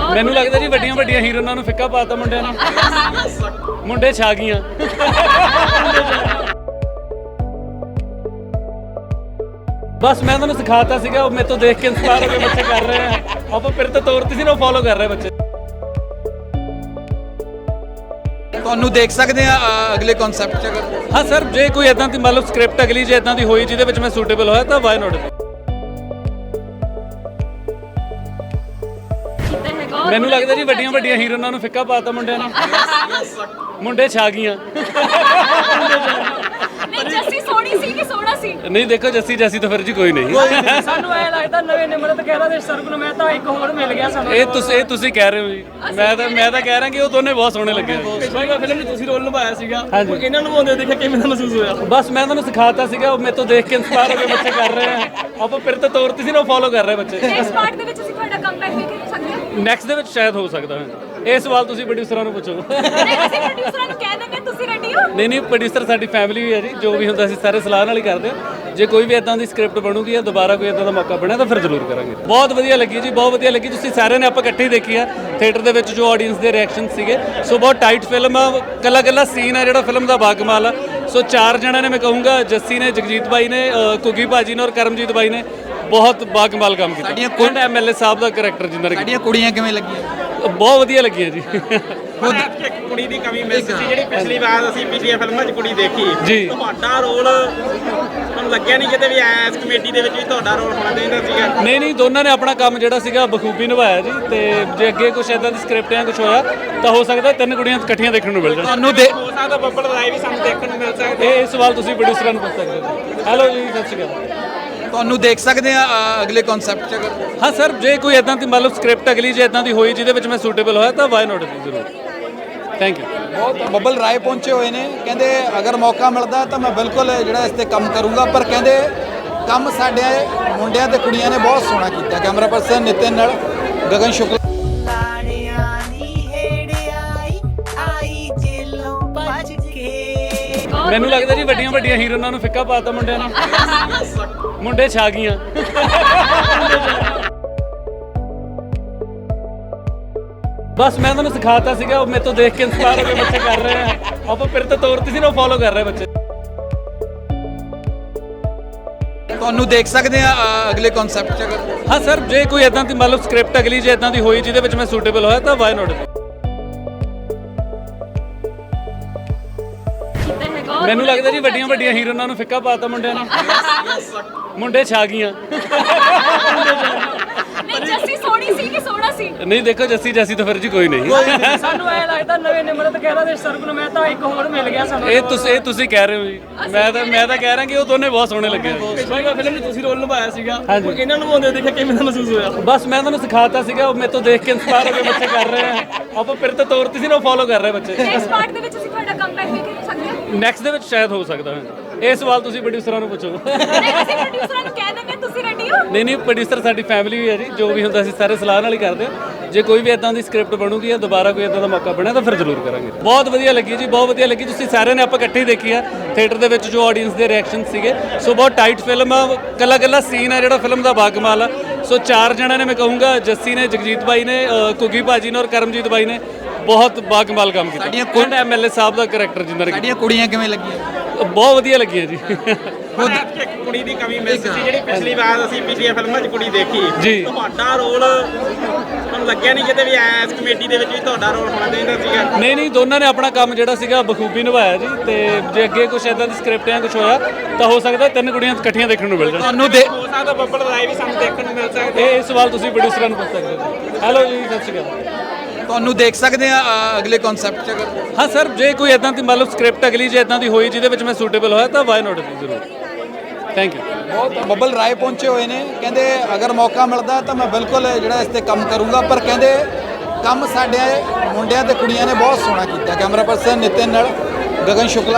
ਮੈਨੂੰ ਲੱਗਦਾ ਜੀ ਵੱਡੀਆਂ ਵੱਡੀਆਂ ਹੀਰੋਇਨਾਂ ਨੂੰ ਫਿੱਕਾ ਪਾਤਾ ਮੁੰਡਿਆਂ ਨੇ। ਮੁੰਡੇ ਛਾ ਗਈਆਂ। ਬਸ ਮੈਂ ਤੁਹਾਨੂੰ ਸਿਖਾਤਾ ਸੀਗਾ, ਉਹ ਮੇਰੇ ਤੋਂ ਦੇਖ ਕੇ ਇੰਸਪਾਇਰ ਹੋ ਕੇ ਬੱਚੇ ਕਰ ਰਹੇ ਆ। ਆਪਾਂ ਫਿਰ ਤਾਂ ਤੋਰਤੀ ਸੀ ਨਾ, ਉਹ ਫੋਲੋ ਕਰ ਰਹੇ ਬੱਚੇ। ਤੁਹਾਨੂੰ ਦੇਖ ਸਕਦੇ ਆ ਅਗਲੇ ਕਨਸੈਪਟ 'ਚ ਅਗਰ ਹਾਂ ਸਰ, ਜੇ ਕੋਈ ਇਦਾਂ ਦੀ ਮਤਲਬ ਸਕ੍ਰਿਪਟ ਅਗਲੀ ਜੇ ਇਦਾਂ ਦੀ ਹੋਈ ਜਿਹਦੇ ਵਿੱਚ ਮੈਂ ਸੂਟੇਬਲ ਹੋਇਆ ਤਾਂ ਵਾਈ ਨੋਟ। ਮੈਨੂੰ ਲੱਗਦਾ ਜੀ ਵੱਡੀਆਂ ਵੱਡੀਆਂ ਹੀਰੋਇਨਾਂ ਨੂੰ ਫਿੱਕਾ ਪਾਤਾ ਮੁੰਡਿਆਂ ਨੇ। ਮੁੰਡੇ ਛਾ ਗਈਆਂ। ਜੱਸੀ ਸੋਹਣੀ ਸੀ ਕਿ ਸੋਹਣਾ ਸੀ? ਨਹੀਂ ਦੇਖੋ, ਜੱਸੀ ਜੈਸੀ ਤਾਂ ਫਿਰ ਜੀ ਕੋਈ ਨਹੀਂ। ਸਾਨੂੰ ਐ ਲੱਗਦਾ ਨਵੇਂ ਨਿਮਰਤ ਕਹਿਦਾ ਦੇ ਸਰਬ ਨੂੰ ਮੈਂ ਤਾਂ ਇੱਕ ਹੋਰ ਮਿਲ ਗਿਆ ਸਾਨੂੰ। ਇਹ ਤੁਸੀਂ ਕਹਿ ਰਹੇ ਹੋ ਜੀ। ਮੈਂ ਤਾਂ ਕਹਿ ਰਿਹਾ ਕਿ ਉਹ ਦੋਨੇ ਬਹੁਤ ਸੋਹਣੇ ਲੱਗੇ। ਪਿਛਲੀ ਫਿਲਮ 'ਚ ਤੁਸੀਂ ਰੋਲ ਨਿਭਾਇਆ ਸੀਗਾ, ਹਾਂਜੀ। ਇਹਨਾਂ ਨੂੰ ਆਉਂਦੇ ਦੇਖਿਆ ਕਿਵੇਂ ਦਾ ਮਹਿਸੂਸ ਹੋਇਆ? ਬਸ ਮੈਂ ਤੁਹਾਨੂੰ ਸਿਖਾਤਾ ਸੀਗਾ, ਉਹ ਮੇਰੇ ਤੋਂ ਦੇਖ ਕੇ ਇੰਸਪਾਇਰ ਹੋ ਕੇ ਬੱਚੇ ਕਰ ਰਹੇ ਆ। ਆਪਾਂ ਫਿਰ ਤਾਂ ਤੋਰਤੀ ਸੀ ਨਾ, ਉਹ ਫੋਲੋ ਕਰ ਰਹੇ ਬੱਚੇ। ਨੈਕਸਟ ਪਾਰਟ ਦੇ ਵਿੱਚ ਅਸੀਂ ਤੁਹਾਡਾ ਕਮਬੈਕ ਵੀ ਕਰ ਸਕਦੇ ਹਾਂ। ਨੈਕਸਟ ਦੇ ਵਿੱਚ ਸ਼ਾਇਦ ਹੋ ਸਕਦਾ ਹੈ। ਇਹ ਸਵਾਲ ਤੁਸੀਂ ਪ੍ਰੋਡਿਊਸਰਾਂ ਨੂੰ ਪੁੱਛੋ। ਨਹੀਂ, ਅਸੀਂ ਪ੍ਰੋਡਿਊਸਰਾਂ ਨੂੰ ਕਹਿ ਦਿੰਦੇ ਤੁਸੀਂ ਰੈਡੀ ਹੋ? ਨਹੀਂ ਪ੍ਰੋਡਿਊਸਰ ਸਾਡੀ ਫੈਮਿਲੀ ਵੀ ਹੈ ਜੀ। ਜੋ ਵੀ ਹੁੰਦਾ ਅਸੀਂ ਸਾਰੇ ਸਲਾਹ ਨਾਲ ਹੀ ਕਰਦੇ ਹਾਂ। ਜੇ ਕੋਈ ਵੀ ਇਦਾਂ ਦੀ ਸਕ੍ਰਿਪਟ ਬਣੂਗੀ ਜਾਂ ਦੁਬਾਰਾ ਕੋਈ ਇਦਾਂ ਦਾ ਮੌਕਾ ਬਣਿਆ ਤਾਂ ਫਿਰ ਜ਼ਰੂਰ ਕਰਾਂਗੇ। ਬਹੁਤ ਵਧੀਆ ਲੱਗੀ ਜੀ, ਬਹੁਤ ਵਧੀਆ ਲੱਗੀ। ਤੁਸੀਂ ਸਾਰਿਆਂ ਨੇ ਆਪਾਂ ਇਕੱਠੇ ਹੀ ਦੇਖੀ ਆ ਥੀਏਟਰ ਦੇ ਵਿੱਚ, ਜੋ ਆਡੀਅנס ਦੇ ਰਿਐਕਸ਼ਨ ਸੀਗੇ। ਸੋ ਬਹੁਤ ਟਾਈਟ ਫਿਲਮ ਆ, ਕੱਲਾ ਸੀਨ ਆ ਜਿਹੜਾ ਫਿਲਮ ਦਾ ਬਾਕਮਾਲ ਆ। ਸੋ 4 ਜਣਿਆਂ ਨੇ, ਮੈਂ ਕਹੂੰਗਾ ਜੱਸੀ ਨੇ, ਜਗਜੀਤ ਬਾਈ ਨੇ, ਕੁਗੀ ਭਾਜੀ ਨੇ ਔਰ ਕਰਮਜੀਤ ਬਾਈ ਨੇ ਬਹੁਤ ਬਾਕਮਾਲ ਕੰਮ ਕੀਤਾ। ਸਾਡੀਆਂ ਐਮਐਲਏ ਸਾਹਿਬ ਦਾ ਕਰੈਕਟਰ ਜਿੰਨਾ ਸਾਡੀਆਂ ਕੁੜੀਆਂ ਕਿਵੇਂ ਲੱਗੀਆਂ? ਬਹੁਤ ਵਧੀਆ ਲੱਗੀਆਂ ਜੀ। ਇੱਕ ਕੁੜੀ ਦੀ ਕਮੀ ਮਿਸ ਸੀ ਜਿਹੜੀ ਪਿਛਲੀ ਵਾਰ ਅਸੀਂ ਪਿਛਲੀਆਂ ਫਿਲਮਾਂ 'ਚ ਕੁੜੀ ਦੇਖੀ। ਜੀ। ਤੁਹਾਡਾ ਰੋਲ ਤੁਹਾਨੂੰ ਲੱਗਿਆ ਨਹੀਂ ਕਿਤੇ ਵੀ ਐਸ ਕਮੇਟੀ ਦੇ ਵਿੱਚ ਵੀ ਤੁਹਾਡਾ ਰੋਲ ਹੋਣਾ ਚਾਹੀਦਾ ਸੀਗਾ? ਨਹੀਂ ਦੋਨਾਂ ਨੇ ਆਪਣਾ ਕੰਮ ਜਿਹੜਾ ਸੀਗਾ ਬਖੂਬੀ ਨਿਭਾਇਆ ਜੀ। ਤੇ ਜੇ ਅੱਗੇ ਕੁਝ ਇਦਾਂ ਦੀ ਸਕ੍ਰਿਪਟ ਜਾਂ ਕੁਝ ਹੋਇਆ ਤਾਂ ਹੋ ਸਕਦਾ 3 ਕੁੜੀਆਂ ਇਕੱਠੀਆਂ ਦੇਖਣ ਨੂੰ ਮਿਲ ਜਾਣ। ਤੁਹਾਨੂੰ ਹੋ ਸਕਦਾ ਬੱਬਲ ਰਾਏ ਵੀ ਸਾਨੂੰ ਦੇਖਣ ਨੂੰ ਮਿਲ ਸਕਦਾ। ਇਹ ਸਵਾਲ ਤੁਸੀਂ ਪ੍ਰੋਡਿਊਸਰਾਂ ਨੂੰ ਪੁੱਛ ਸਕਦੇ ਹੋ। ਹੈਲੋ ਜੀ, ਸਤਿ ਸ਼੍ਰੀ ਅਕਾਲ। ਤੁਹਾਨੂੰ ਦੇਖ ਸਕਦੇ ਆ ਅਗਲੇ ਕਨਸੈਪਟ 'ਚ ਅਗਰ ਹਾਂ ਸਰ, ਜੇ ਕੋਈ ਇਦਾਂ ਦੀ ਮਤਲਬ ਸਕ੍ਰਿਪਟ ਅਗਲੀ ਜੇ ਇਦਾਂ ਦੀ ਹੋਈ ਜਿਹਦੇ ਵਿੱਚ ਮੈਂ ਸੂਟੇਬਲ ਹੋਇਆ ਤਾਂ ਵਾਈ ਨੋਟ ਜ਼ਰੂਰ। Thank you. ਬਹੁਤ ਬੱਬਲ ਰਾਏ ਪਹੁੰਚੇ ਹੋਏ ਨੇ। ਕਹਿੰਦੇ ਅਗਰ ਮੌਕਾ ਮਿਲਦਾ ਤਾਂ ਮੈਂ ਬਿਲਕੁਲ ਜਿਹੜਾ ਇਸ ਤੇ ਕੰਮ ਕਰੂੰਗਾ, ਪਰ ਕਹਿੰਦੇ ਕੰਮ ਸਾਡੇ ਮੁੰਡਿਆਂ ਤੇ ਕੁੜੀਆਂ ਨੇ ਬਹੁਤ ਸੋਹਣਾ ਕੀਤਾ। ਕੈਮਰਾ ਪਰਸਨ ਨਿਤਿਨ ਨਾਲ ਗਗਨ ਸ਼ੁਕਲਾ। ਮੈਨੂੰ ਲੱਗਦਾ ਜੀ ਵੱਡੀਆਂ ਵੱਡੀਆਂ ਹੀਰੋਇਨਾਂ ਨੂੰ ਫਿੱਕਾ ਪਾਤਾ ਮੁੰਡਿਆਂ ਨੇ। ਮੁੰਡੇ ਛਾ ਗਈਆਂ। ਬਸ ਮੈਂ ਤੁਹਾਨੂੰ ਸਿਖਾਤਾ ਸੀਗਾ, ਉਹ ਮੇਰੇ ਤੋਂ ਦੇਖ ਕੇ ਇੰਸਪਾਇਰ ਹੋ ਕੇ ਬੱਚੇ ਕਰ ਰਹੇ ਆ। ਆਪਾਂ ਫਿਰ ਤਾਂ ਤੋਰਤੀ ਸੀ ਨਾ, ਉਹ ਫੋਲੋ ਕਰ ਰਹੇ ਬੱਚੇ। ਤੁਹਾਨੂੰ ਦੇਖ ਸਕਦੇ ਆ ਅਗਲੇ ਕਨਸੈਪਟ 'ਚ ਅਗਰ ਹਾਂ ਸਰ, ਜੇ ਕੋਈ ਇਦਾਂ ਦੀ ਮਤਲਬ ਸਕ੍ਰਿਪਟ ਅਗਲੀ ਜੇ ਇਦਾਂ ਦੀ ਹੋਈ ਜਿਹਦੇ ਵਿੱਚ ਮੈਂ ਸੂਟੇਬਲ ਹੋਇਆ ਤਾਂ ਵਾਈ ਨੋਟ। ਮੈਨੂੰ ਲੱਗਦਾ ਜੀ ਵੱਡੀਆਂ ਵੱਡੀਆਂ ਹੀਰੋਇਨਾਂ ਨੂੰ ਫਿੱਕਾ ਪਾਤਾ ਮੁੰਡਿਆਂ ਨੇ। ਮੁੰਡੇ ਛਾ ਗਈਆਂ। ਨਹੀਂ, ਜੱਸੀ ਸੋਹਣੀ ਸੀ ਕਿ ਸੋਹਣਾ ਸੀ? ਨਹੀਂ ਦੇਖੋ, ਜੱਸੀ ਜੈਸੀ ਤਾਂ ਫਿਰ ਜੀ ਕੋਈ ਨਹੀਂ। ਸਾਨੂੰ ਐ ਲੱਗਦਾ ਨਵੇਂ ਨਿਮਰਤ ਕਹਿਦਾ ਦੇ ਸਰਬ ਨੂੰ ਮੈਂ ਤਾਂ ਇੱਕ ਹੋਰ ਮਿਲ ਗਿਆ ਸਾਨੂੰ। ਇਹ ਤੁਸੀਂ ਕਹਿ ਰਹੇ ਹੋ ਜੀ। ਮੈਂ ਤਾਂ ਕਹਿ ਰਿਹਾ ਕਿ ਉਹ ਦੋਨੇ ਬਹੁਤ ਸੋਹਣੇ ਲੱਗੇ। ਪਿਛਲੀ ਫਿਲਮ 'ਚ ਤੁਸੀਂ ਰੋਲ ਨਿਭਾਇਆ ਸੀਗਾ, ਹਾਂਜੀ। ਇਹਨਾਂ ਨੂੰ ਆਉਂਦੇ ਦੇਖਿਆ ਕਿਵੇਂ ਦਾ ਮਹਿਸੂਸ ਹੋਇਆ? ਬਸ ਮੈਂ ਤੁਹਾਨੂੰ ਸਿਖਾਤਾ ਸੀਗਾ, ਉਹ ਮੇਰੇ ਤੋਂ ਦੇਖ ਕੇ ਇੰਸਪਾਇਰ ਹੋ ਕੇ ਬੱਚੇ ਕਰ ਰਹੇ ਆ। ਆਪਾਂ ਫਿਰ ਤਾਂ ਤੋਰਤੀ ਸੀ ਨਾ, ਉਹ ਫੋਲੋ ਕਰ ਰਹੇ ਬੱਚੇ। ਨੈਕਸਟ ਪਾਰਟ ਦੇ ਵਿੱਚ ਅਸੀਂ ਤੁਹਾਡਾ ਕਮਬੈਕ ਵੀ ਕਰ ਸਕਦੇ ਹਾਂ। ਨੈਕਸਟ ਦੇ ਵਿੱਚ ਸ਼ਾਇਦ ਹੋ ਸਕਦਾ ਹੈ। ਇਹ ਸਵਾਲ ਤੁਸੀਂ ਪ੍ਰੋਡਿਊਸਰਾਂ ਨੂੰ ਪੁੱਛੋ। ਨਹੀਂ, ਅਸੀਂ ਪ੍ਰੋਡਿਊਸਰਾਂ ਨੂੰ ਕਹਿ ਦਿੰਦੇ ਤੁਸੀਂ ਰੈਡੀ ਹੋ? ਨਹੀਂ ਪ੍ਰੋਡਿਊਸਰ ਸਾਡੀ ਫੈਮਿਲੀ ਵੀ ਹੈ ਜੀ। ਜੋ ਵੀ ਹੁੰਦਾ ਅਸੀਂ ਸਾਰੇ ਸਲਾਹ ਨਾਲ ਹੀ ਕਰਦੇ ਹਾਂ। ਜੇ ਕੋਈ ਵੀ ਇਦਾਂ ਦੀ ਸਕ੍ਰਿਪਟ ਬਣੂਗੀ ਜਾਂ ਦੁਬਾਰਾ ਕੋਈ ਇਦਾਂ ਦਾ ਮੌਕਾ ਬਣਿਆ ਤਾਂ ਫਿਰ ਜ਼ਰੂਰ ਕਰਾਂਗੇ। ਬਹੁਤ ਵਧੀਆ ਲੱਗੀ ਜੀ, ਬਹੁਤ ਵਧੀਆ ਲੱਗੀ। ਤੁਸੀਂ ਸਾਰਿਆਂ ਨੇ ਆਪਾਂ ਇਕੱਠੇ ਹੀ ਦੇਖੀ ਆ ਥੀਏਟਰ ਦੇ ਵਿੱਚ, ਜੋ ਆਡੀਅנס ਦੇ ਰਿਐਕਸ਼ਨ ਸੀਗੇ। ਸੋ ਬਹੁਤ ਟਾਈਟ ਫਿਲਮ ਆ, ਕੱਲਾ ਸੀਨ ਆ ਜਿਹੜਾ ਫਿਲਮ ਦਾ ਬਾਕਮਾਲ ਆ। ਸੋ 4 ਜਣਿਆਂ ਨੇ, ਮੈਂ ਕਹੂੰਗਾ ਜੱਸੀ ਨੇ, ਜਗਜੀਤ ਬਾਈ ਨੇ, ਕੁਗੀ ਭਾਜੀ ਨੇ ਔਰ ਕਰਮਜੀਤ ਬਾਈ ਨੇ ਬਹੁਤ ਬਾਕਮਾਲ ਕੰਮ ਕੀਤਾ। ਸਾਡੀਆਂ ਐਮਐਲਏ ਸਾਹਿਬ ਦਾ ਕਰੈਕਟਰ ਜਿੰਨਾ। ਸਾਡੀਆਂ ਕੁੜੀਆਂ ਕਿਵੇਂ ਲੱਗੀਆਂ? ਬਹੁਤ ਵਧੀਆ ਲੱਗੀਆਂ ਜੀ। ਇੱਕ ਕੁੜੀ ਦੀ ਕਮੀ ਮਿਸ ਸੀ ਜਿਹੜੀ ਪਿਛਲੀ ਵਾਰ ਅਸੀਂ ਪਿਛਲੀਆਂ ਫਿਲਮਾਂ 'ਚ ਕੁੜੀ ਦੇਖੀ। ਜੀ। ਤੁਹਾਡਾ ਰੋਲ ਤੁਹਾਨੂੰ ਲੱਗਿਆ ਨਹੀਂ ਕਿਤੇ ਵੀ ਐਸ ਕਮੇਟੀ ਦੇ ਵਿੱਚ ਵੀ ਤੁਹਾਡਾ ਰੋਲ ਹੋਣਾ ਚਾਹੀਦਾ ਸੀਗਾ? ਨਹੀਂ ਦੋਨਾਂ ਨੇ ਆਪਣਾ ਕੰਮ ਜਿਹੜਾ ਸੀਗਾ ਬਖੂਬੀ ਨਿਭਾਇਆ ਜੀ। ਤੇ ਜੇ ਅੱਗੇ ਕੁਝ ਇਦਾਂ ਦੀ ਸਕ੍ਰਿਪਟ ਜਾਂ ਕੁਝ ਹੋਇਆ ਤਾਂ ਹੋ ਸਕਦਾ 3 ਕੁੜੀਆਂ ਇਕੱਠੀਆਂ ਦੇਖਣ ਨੂੰ ਮਿਲ ਜਾਣ। ਤੁਹਾਨੂੰ ਹੋ ਸਕਦਾ ਬੱਬਲ ਰਾਏ ਵੀ ਸਾਨੂੰ ਦੇਖਣ ਨੂੰ ਮਿਲ ਸਕਦਾ। ਇਹ ਸਵਾਲ ਤੁਸੀਂ ਪ੍ਰੋਡਿਊਸਰਾਂ ਨੂੰ ਪੁੱਛ ਸਕਦੇ ਹੋ। ਹੈਲੋ ਜੀ, ਸਤਿ ਸ਼੍ਰੀ ਅਕਾਲ। ਤੁਹਾਨੂੰ ਦੇਖ ਸਕਦੇ ਆ ਅਗਲੇ ਕਨਸੈਪਟ 'ਚ ਅਗਰ ਹਾਂ ਸਰ, ਜੇ ਕੋਈ ਇਦਾਂ ਦੀ ਮਤਲਬ ਸਕ੍ਰਿਪਟ ਅਗਲੀ ਜੇ ਇਦਾਂ ਦੀ ਹੋਈ ਜਿਹਦੇ ਵਿੱਚ ਮੈਂ ਸੂਟੇਬਲ ਹੋਇਆ ਤਾਂ ਵਾਈ ਨੋਟ ਜ਼ਰੂਰ। Thank you. ਬਹੁਤ ਬੱਬਲ ਰਾਏ ਪਹੁੰਚੇ ਹੋਏ ਨੇ। ਕਹਿੰਦੇ ਅਗਰ ਮੌਕਾ ਮਿਲਦਾ ਤਾਂ ਮੈਂ ਬਿਲਕੁਲ ਜਿਹੜਾ ਇਸ ਤੇ ਕੰਮ ਕਰੂੰਗਾ, ਪਰ ਕਹਿੰਦੇ ਕੰਮ ਸਾਡੇ ਮੁੰਡਿਆਂ ਤੇ ਕੁੜੀਆਂ ਨੇ ਬਹੁਤ ਸੋਹਣਾ ਕੀਤਾ। ਕੈਮਰਾ ਪਰਸਨ ਨਿਤਿਨ ਨਾਲ ਗਗਨ ਸ਼ੁਕਲਾ।